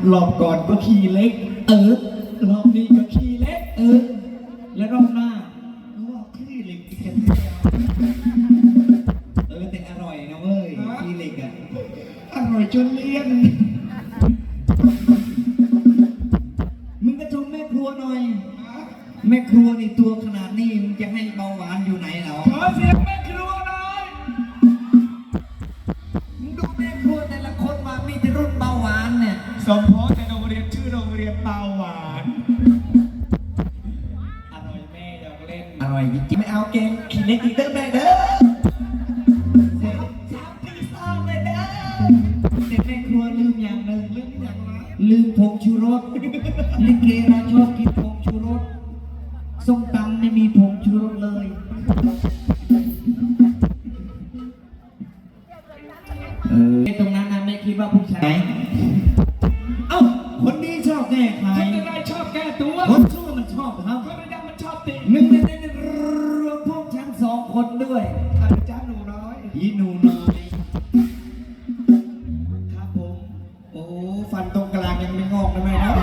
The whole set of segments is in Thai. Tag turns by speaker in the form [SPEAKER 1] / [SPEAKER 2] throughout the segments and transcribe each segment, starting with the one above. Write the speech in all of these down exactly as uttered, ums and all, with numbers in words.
[SPEAKER 1] รอบก่อนก็ขี่เล็กเออรอบนี้ก็ขี่เล็กเออแล้วรอบหน้าก็ว่าขี่เล็กอีกกันเออแต่อร่อยนะเว้ยขี่เล็กอ่ะอร่อยจนเลี่ยนมึงก็ชมแม่ครัวหน่อยแม่ครัวนี่ตัวขนาดนี้มึงจะให้เบาหวานอยู่ไหนเหรอขอเสียงแม่ครัวหน่อยมึงดูแม่ครัวแต่ละคนมามีแต่รุ่นเบาหวานเนี่ยสมพรในโรงเรียนชื่อโรงเรียนเบาหวานอร่อยแม่อยากเล่นอร่อยจริงๆไม่เอาเกมขี้เล็กอีกเด้อแม่เด้อสามปีสองเลยเด้อแต่แม่ครัวลืมอย่างหนึ่งลืมอย่างไรลืมผงชูรสลิเกเราชอบกินผงชูรสส้มตำไม่มีผงชูรสเลยเออตรงนั้นนะไม่คิดว่าผู้ชายเอ้าคนนี้ชอบแก้ใครคนอะไรชอบแก้ตัวคนชั่วมันชอบครับคนอะไรมันชอบติหนึ่งในนั้นรวมพวกฉันสองคนด้วยอาจารย์หนูน้อยอีหนูน้อยครับผมโอ้ฟันตรงกลางยังไม่งอกนะแม่ครับ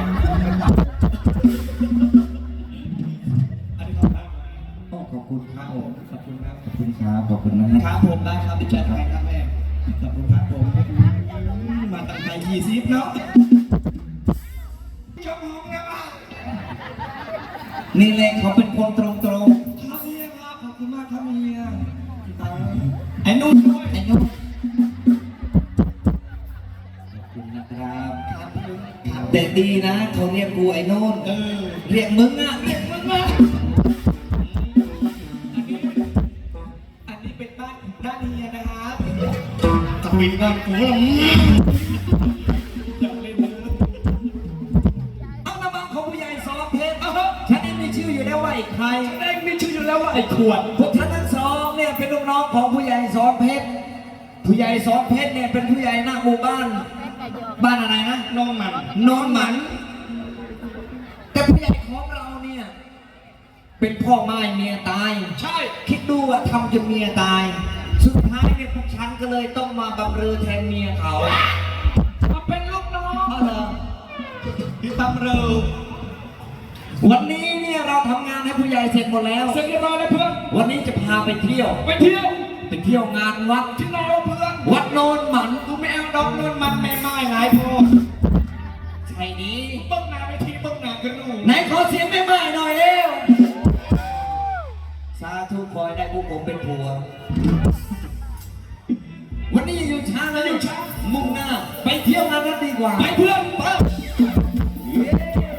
[SPEAKER 1] ขอบคุณครับผมขอบคุณครับขอบคุณครับขอบคุณนะครับผมได้ครับที่แชร์ไปครับแม่ขอบคุณครับผมมาตั้งใจยี่สิบเนาะชมห้องนะบ้างนี่แหละเขาเป็นคนตรงตรงครับเมียครับขอบคุณมากครับเมียไอ้นุ่นด้วยไอ้นุ่นขอบคุณนะครับครับแต่ดีนะเขาเรียกกูไอ้นุ่นเออเรียกมึงอ่ะเรียกมึงอ่ะด้านเฮียนะครับจะมีงานกูหรออยากเล่นเลยเอาน้ำมันของผู้ใหญ่สองเพชรฉันเองมีชื่ออยู่แล้วว่าไอ้ใครฉันเองมีชื่ออยู่แล้วว่าไอ้ขวดพวกท่านทั้งสองเนี่ยเป็นลูกน้องของผู้ใหญ่สองเพชรผู้ใหญ่สองเพชรเนี่ยเป็นผู้ใหญ่หน้าหมู่บ้านบ้านอะไรนะนอนหมันนอนหมันแต่ผู้ใหญ่ของเราเนี่ยเป็นพ่อไม้เมียตายใช่คิดดูว่าทำจนเมียตายสุดท้ายเนี่ยพวกฉันก็เลยต้องมาบำเรอแทนเมียเขามาเป็นลูกน้องเขาเหรอที่บำเรอวันนี้เนี่ยเราทำงานให้ผู้ใหญ่เสร็จหมดแล้วเสร็จเรียบร้อยแล้วเพื่อนวันนี้จะพาไปเที่ยวไปเที่ยวไปเที่ยวงานวัดที่ไหนวะเพื่อนวัดโนนหมันกูไม่เอาดอกโนนมันไม่ไม่หลายพอใช่นี้เบิ้งหน้าไปทีเบิ้งหน้ากันหนูไหนขอเสียงไม่ไม่หน่อยเร็วสาธุคอยได้พวกผมเป็นผัววันนี้อยู่ช้าแล้วอยู่ช้ามุ่งหน้าไปเที่ยวงานนั้นดีกว่าไปเพื่อนไป